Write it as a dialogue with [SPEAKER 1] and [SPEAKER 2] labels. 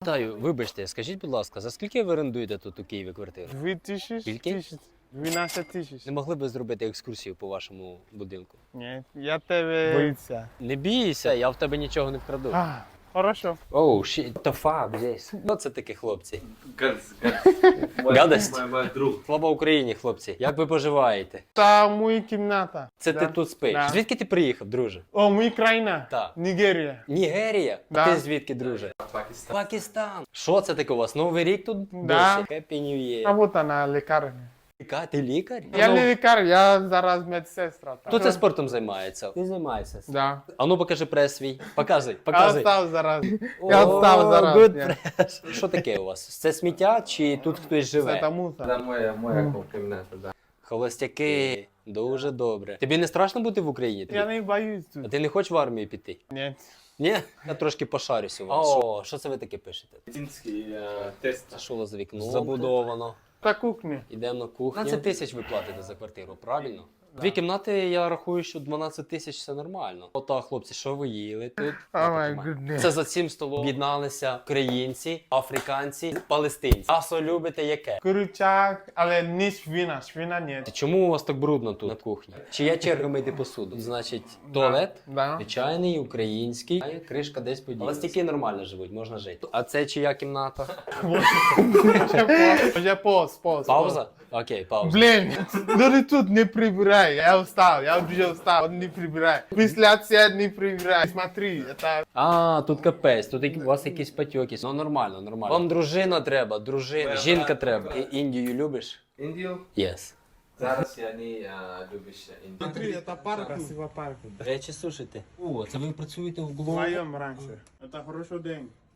[SPEAKER 1] питаю, вибачте, скажіть, будь ласка, за скільки ви орендуєте тут у Києві квартиру?
[SPEAKER 2] 2000,
[SPEAKER 1] Скільки?
[SPEAKER 2] 12 тисяч.
[SPEAKER 1] Не могли б зробити екскурсію по вашому будинку?
[SPEAKER 2] Ні, я тебе боюся.
[SPEAKER 1] Не бійся, я в тебе нічого не вкраду.
[SPEAKER 2] Хорошо.
[SPEAKER 1] Оу, the fuck, здесь. Що це таке, хлопці?
[SPEAKER 3] Гадость.
[SPEAKER 1] Гадость?
[SPEAKER 3] Мой друг.
[SPEAKER 1] Слава Україні, хлопці. Як ви поживаєте?
[SPEAKER 2] Та моя кімната.
[SPEAKER 1] Це
[SPEAKER 2] Да.
[SPEAKER 1] ти тут спиш?
[SPEAKER 2] Да.
[SPEAKER 1] Звідки ти приїхав, друже?
[SPEAKER 2] О, моя країна.
[SPEAKER 1] Так.
[SPEAKER 2] Нігерія.
[SPEAKER 1] Нігерія?
[SPEAKER 2] Да.
[SPEAKER 1] А ти звідки, друже?
[SPEAKER 3] Пакистан.
[SPEAKER 1] Пакистан. Що це таке у вас? Новий рік тут?
[SPEAKER 2] Да.
[SPEAKER 1] Досі? Happy New Year.
[SPEAKER 2] Робота на лікарні.
[SPEAKER 1] Ти лікар?
[SPEAKER 2] Я не лікар, я зараз медсестра.
[SPEAKER 1] Хто це спортом займається? Ти займаєшся.
[SPEAKER 2] Да.
[SPEAKER 1] А ну покажи прес свій. Показуй,
[SPEAKER 2] Я
[SPEAKER 1] показуй.
[SPEAKER 2] встав зараз. Я встав зараз.
[SPEAKER 1] Good
[SPEAKER 2] Я.
[SPEAKER 1] press. Що таке у вас? Це сміття чи тут хтось
[SPEAKER 2] Це
[SPEAKER 1] живе?
[SPEAKER 2] тому.
[SPEAKER 3] Да, моя кімната, да.
[SPEAKER 1] Холостяки. Дуже добре. Тобі не страшно бути в Україні?
[SPEAKER 2] Я не боюсь
[SPEAKER 1] А
[SPEAKER 2] тут.
[SPEAKER 1] ти не хочеш в армію піти?
[SPEAKER 2] Ні.
[SPEAKER 1] Ні? Я трошки пошарюся у вас. О, що це ви таке пишете?
[SPEAKER 3] Медицинський тест.
[SPEAKER 1] Це що у вас за вікно? Забудовано.
[SPEAKER 2] Та кухня.
[SPEAKER 1] Йдемо на кухню. 15 тисяч ви платите за квартиру, правильно? Дві кімнати, я рахую, що 12 тисяч це нормально. Ота, хлопці, що ви їли тут?
[SPEAKER 2] О май гуднес.
[SPEAKER 1] Це за цим столом об'єдналися українці, африканці, палестинці. Асо любите яке?
[SPEAKER 2] Курчак, але не свина. Свина ні.
[SPEAKER 1] Чому у вас так брудно тут на кухні? Чи є черга мити посуду? Значить, туалет,
[SPEAKER 2] Да.
[SPEAKER 1] звичайний, український, а кришка десь поділася. Холостяки нормально живуть, можна жити. А це чия кімната?
[SPEAKER 2] Вже пост.
[SPEAKER 1] Пауза? Окей, пауза.
[SPEAKER 2] Блін, люди тут не прибирай. Я встав, я вже встав. Он не прибирай. Після цього не прибирай. Смотри, це...
[SPEAKER 1] А, тут капець, тут у вас якісь патьоки. Ну нормально, нормально. Вам дружина треба, дружина, жінка треба. Індію любиш?
[SPEAKER 3] Індію?
[SPEAKER 1] Yes.
[SPEAKER 3] Зараз я не любиш Індію.
[SPEAKER 2] Смотри, це парк. Красива парк.
[SPEAKER 1] Речі сушите. О, це ви працюєте в Глоу?
[SPEAKER 2] Вдвоєм раніше. Це хороший день.